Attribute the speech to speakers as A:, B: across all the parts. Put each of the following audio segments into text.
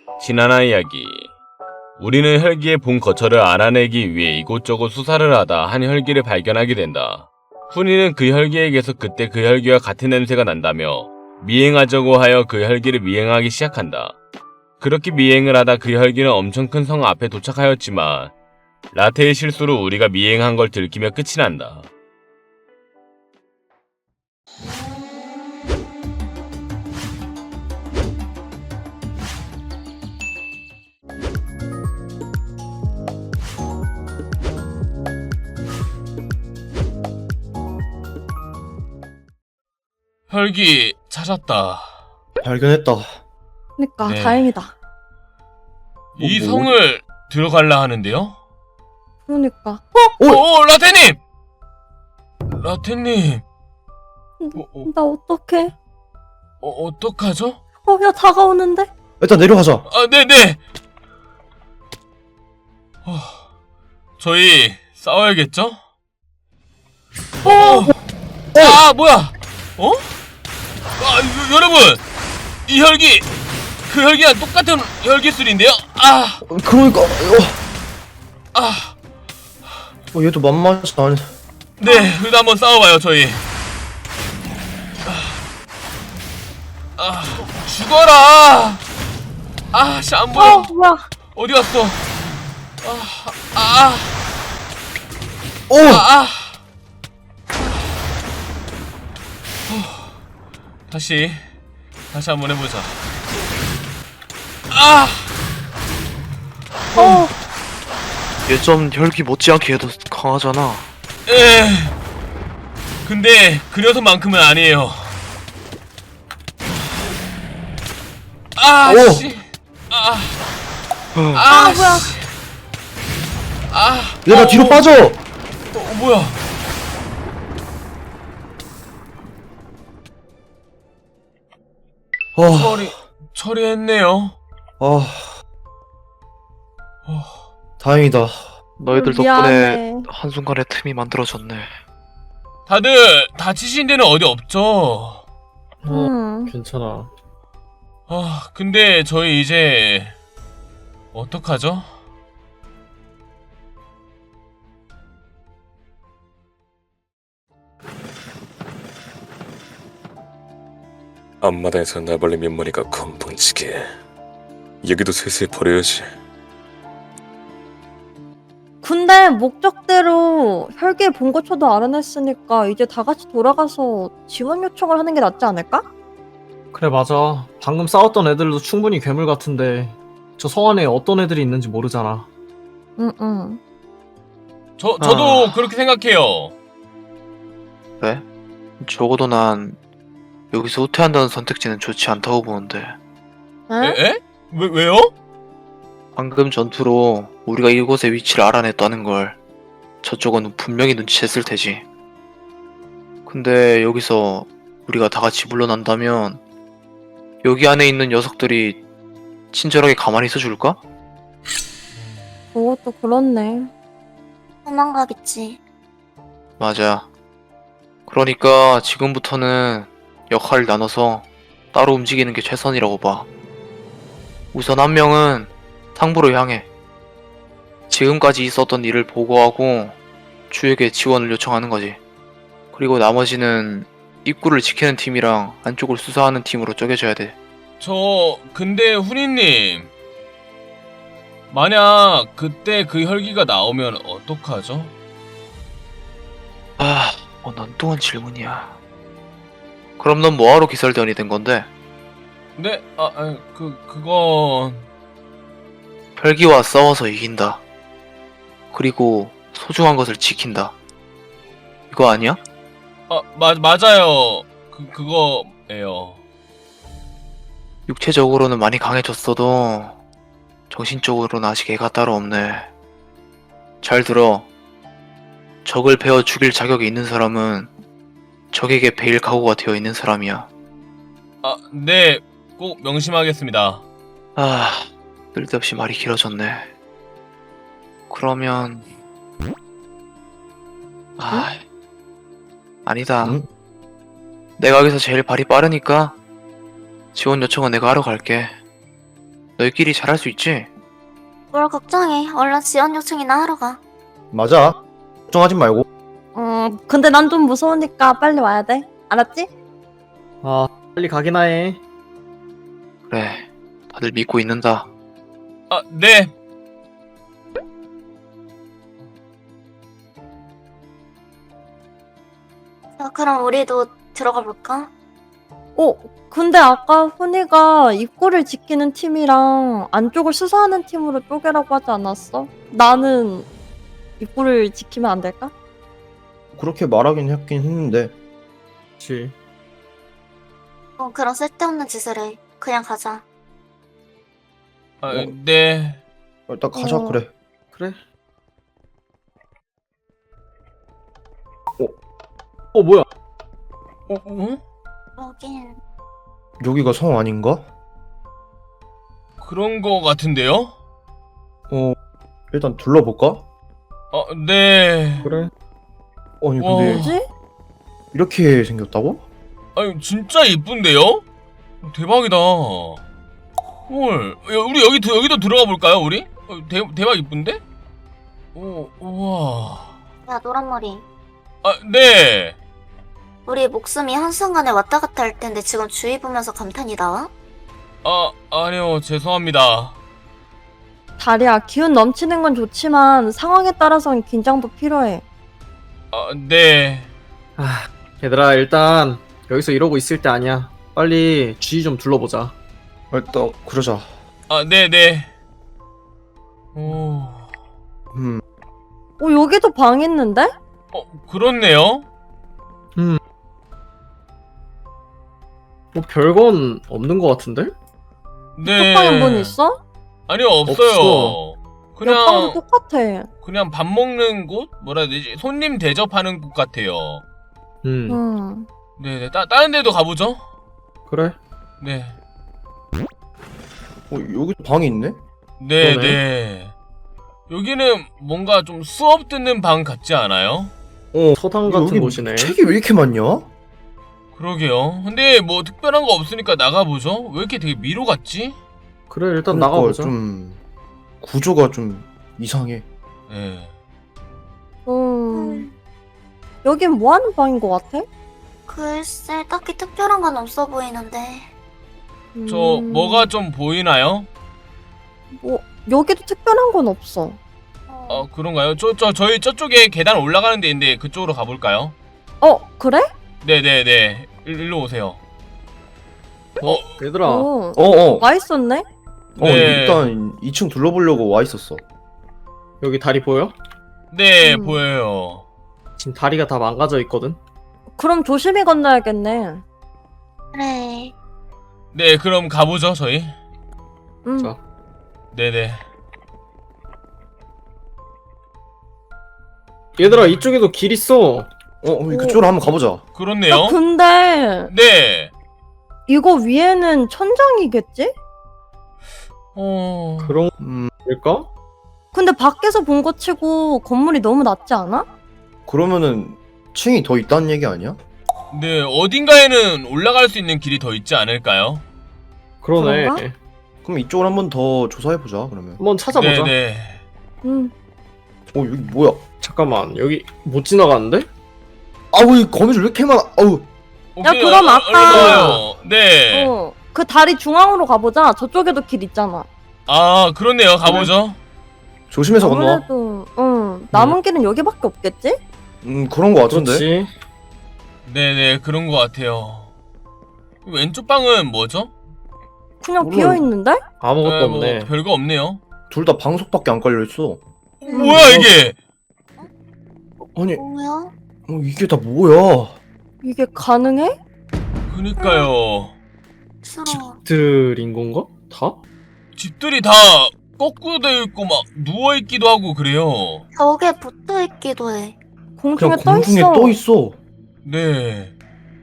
A: 신하나 이야기. 우리는 혈기의 본 거처를 알아내기 위해 이곳저곳 수사를 하다 한 혈기를 발견하게 된다. 훈이는 그 혈기에게서 그때 그 혈기와 같은 냄새가 난다며 미행하자고 하여 그 혈기를 미행하기 시작한다. 그렇게 미행을 하다 그 혈기는 엄청 큰 성 앞에 도착하였지만 라테의 실수로 우리가 미행한 걸 들키며 끝이 난다. 혈기 찾았다.
B: 발견했다.
C: 그니까
A: 네.
C: 다행이다.
A: 이
B: 뭐?
A: 성을 들어갈라 하는데요?
C: 그러니까
A: 오, 라테님! 라테님.
C: 나 어떡해?
A: 어떡하죠?
C: 야 다가오는데?
B: 일단 내려가자.
A: 아, 네네! 저희 싸워야겠죠? 아, 뭐야! 여러분! 이 혈기! 그 혈기랑 똑같은 혈기술인데요?
B: 그러니까
A: 아!
B: 얘도 만만치 않네.
A: 네, 그래도 한번 싸워봐요, 저희. 죽어라! 씨, 안 보여.
C: 뭐야?
A: 어디 갔어?
B: 오!
A: 다시 한번 해보자.
D: 얘 좀 혈기 못지않게 얘도 강하잖아.
A: 근데 그 녀석만큼은 아니에요.
B: 오!
A: 씨.
C: 뭐야?
A: 씨.
B: 얘가 뒤로 빠져!
A: 뭐야? 처리했네요.
B: 다행이다.
D: 너희들
C: 미안해.
D: 덕분에 한순간에 틈이 만들어졌네.
A: 다들 다치신 데는 어디 없죠?
B: 괜찮아.
A: 근데 저희 이제 어떡하죠?
E: 앞마당에서 나벌레 몇마리가 건방지게. 여기도 슬슬 버려야지.
C: 근데 목적대로 혈기의 본거처도 알아냈으니까 이제 다 같이 돌아가서 지원 요청을 하는 게 낫지 않을까?
F: 그래 맞아. 방금 싸웠던 애들도 충분히 괴물 같은데 저 성 안에 어떤 애들이 있는지 모르잖아.
C: 응.
A: 저도 그렇게 생각해요.
D: 왜? 적어도 난 여기서 후퇴한다는 선택지는 좋지 않다고 보는데.
A: 에? 왜요?
D: 방금 전투로 우리가 이곳의 위치를 알아냈다는 걸 저쪽은 분명히 눈치챘을 테지. 근데 여기서 우리가 다 같이 물러난다면 여기 안에 있는 녀석들이 친절하게 가만히 있어줄까?
C: 그것도 그렇네.
G: 도망가겠지.
D: 맞아. 그러니까 지금부터는 역할을 나눠서 따로 움직이는 게 최선이라고 봐. 우선 한 명은 상부로 향해 지금까지 있었던 일을 보고하고 주에게 지원을 요청하는 거지. 그리고 나머지는 입구를 지키는 팀이랑 안쪽을 수사하는 팀으로 쪼개져야 돼.
A: 근데 훈이님, 만약 그때 그 혈기가 나오면 어떡하죠?
D: 넌 질문이야. 그럼 넌 뭐하러 기설대원이 된 건데?
A: 네? 그건...
D: 혈기와 싸워서 이긴다. 그리고 소중한 것을 지킨다. 이거 아니야?
A: 맞아요. 그거예요.
D: 육체적으로는 많이 강해졌어도 정신적으로는 아직 애가 따로 없네. 잘 들어. 적을 베어 죽일 자격이 있는 사람은 적에게 베일 각오가 되어 있는 사람이야.
A: 네. 꼭 명심하겠습니다.
D: 쓸데없이 말이 길어졌네. 그러면... 아니다.
B: 응?
D: 내가 여기서 제일 발이 빠르니까 지원 요청은 내가 하러 갈게. 너희끼리 잘할 수 있지?
G: 뭘 걱정해. 얼른 지원 요청이나 하러 가.
B: 맞아. 걱정하지 말고.
C: 근데 난 좀 무서우니까 빨리 와야 돼. 알았지?
F: 아, 빨리 가기나 해.
D: 그래, 다들 믿고 있는다.
A: 아, 네.
G: 자, 그럼 우리도 들어가 볼까?
C: 근데 아까 훈이가 입구를 지키는 팀이랑 안쪽을 수사하는 팀으로 쪼개라고 하지 않았어? 나는 입구를 지키면 안 될까?
B: 그렇게 말하긴 했긴 했는데.
F: 그치.
G: 그런 쓸데없는 짓을 해. 그냥 가자.
A: 아, 네.
B: 일단 가자, 그래.
F: 그래. 뭐야?
G: 여긴
B: 여기가 성 아닌가?
A: 그런 거 같은데요?
B: 일단 둘러볼까?
A: 네.
F: 그래.
B: 아니,
A: 와.
B: 근데
C: 뭐지?
B: 이렇게 생겼다고?
A: 아니, 진짜 이쁜데요? 대박이다. 헐, 우리 여기도 들어가 볼까요, 우리? 대박 이쁜데? 우와.
G: 야 노란머리.
A: 아, 네.
G: 우리 목숨이 한순간에 왔다 갔다 할 텐데 지금 주위 보면서 감탄이 나와?
A: 아니요, 죄송합니다.
C: 다리야, 기운 넘치는 건 좋지만 상황에 따라서는 긴장도 필요해.
A: 네.
F: 얘들아, 일단 여기서 이러고 있을 때 아니야. 빨리 주위 좀 둘러보자.
B: 일단 그러자.
A: 네네.
C: 여기도 방 있는데?
A: 그렇네요.
F: 뭐 별건 없는 것 같은데?
A: 네.
C: 이쪽 방에 문 있어?
A: 아니요, 없어요.
F: 없어.
C: 옆 방도 똑같아.
A: 그냥 밥 먹는 곳? 뭐라 해야 되지? 손님 대접하는 곳 같아요. 네네. 다른 데도 가보죠.
F: 그래.
A: 네.
B: 여기도 방이 있네?
A: 네네.
F: 그러네.
A: 여기는 뭔가 좀 수업 듣는 방 같지 않아요?
F: 서당 같은
B: 여기
F: 곳이네.
B: 책이 왜 이렇게 많냐?
A: 그러게요. 근데 뭐 특별한 거 없으니까 나가보죠. 왜 이렇게 되게 미로 같지?
F: 그래, 일단
B: 그러니까
F: 나가보자.
B: 좀 구조가 좀 이상해.
A: 네.
C: 여긴 뭐 하는 방인 것 같아?
G: 글쎄 딱히 특별한 건 없어 보이는데.
A: 저 뭐가 좀 보이나요?
C: 여기도 특별한 건 없어.
A: 그런가요? 저희 저쪽에 계단 올라가는 데 있는데 그쪽으로 가볼까요?
C: 그래?
A: 네네네. 일로 오세요.
F: 얘들아,
C: 와 있었네?
A: 네.
B: 일단 2층 둘러보려고 와 있었어.
F: 여기 다리 보여?
A: 네, 보여요.
F: 지금 다리가 다 망가져 있거든.
C: 그럼 조심히 건너야겠네.
G: 그래.
A: 네, 그럼 가보죠, 저희.
F: 자.
A: 네네.
F: 얘들아, 이쪽에도 길 있어.
B: 그쪽으로 한번 가보자.
A: 그렇네요.
C: 근데
A: 네.
C: 이거 위에는 천장이겠지?
F: 그런
B: 음,
F: 걸까?
C: 근데 밖에서 본 거 치고 건물이 너무 낮지 않아?
B: 그러면은 층이 더 있다는 얘기 아니야?
A: 네, 어딘가에는 올라갈 수 있는 길이 더 있지 않을까요?
F: 그러네.
C: 그런가?
B: 그럼 이쪽을 한번 더 조사해보자, 그러면.
F: 한번 찾아보자.
A: 네네.
B: 여기 뭐야?
F: 잠깐만, 여기 못 지나가는데?
B: 왜 거미줄 왜 이렇게 많아?
C: 야, 그럼 아까-
A: 네.
C: 그 다리 중앙으로 가보자. 저쪽에도 길 있잖아.
A: 그렇네요. 가보죠.
B: 조심해서 건너와.
C: 아무래도 남은 길은 여기밖에 없겠지?
B: 그런 거 같은데?
F: 그렇지.
A: 네네, 그런 것 같아요. 왼쪽 방은 뭐죠?
C: 그냥
B: 몰라.
C: 비어 있는데?
F: 아무것도
A: 뭐
F: 없네.
A: 별거 없네요.
B: 둘 다 방석밖에 안 깔려있어.
A: 뭐야 이게?
B: 아니,
G: 뭐야?
B: 이게 다 뭐야?
C: 이게 가능해?
A: 그니까요.
G: 싫어.
F: 들인 건가? 다?
A: 집들이 다 거꾸로 되어 있고 막 누워 있기도 하고 그래요.
G: 벽에 붙어 있기도 해.
C: 공중에
B: 그냥
C: 떠
B: 공중에
C: 있어.
B: 떠 있어.
A: 네.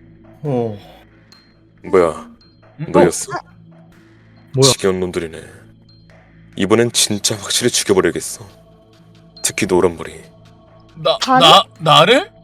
E: 뭐야, 너였어?
F: 뭐야?
E: 지겨운 놈들이네. 이번엔 진짜 확실히 죽여버려야겠어. 특히 노란머리.
C: 다리?
A: 나를?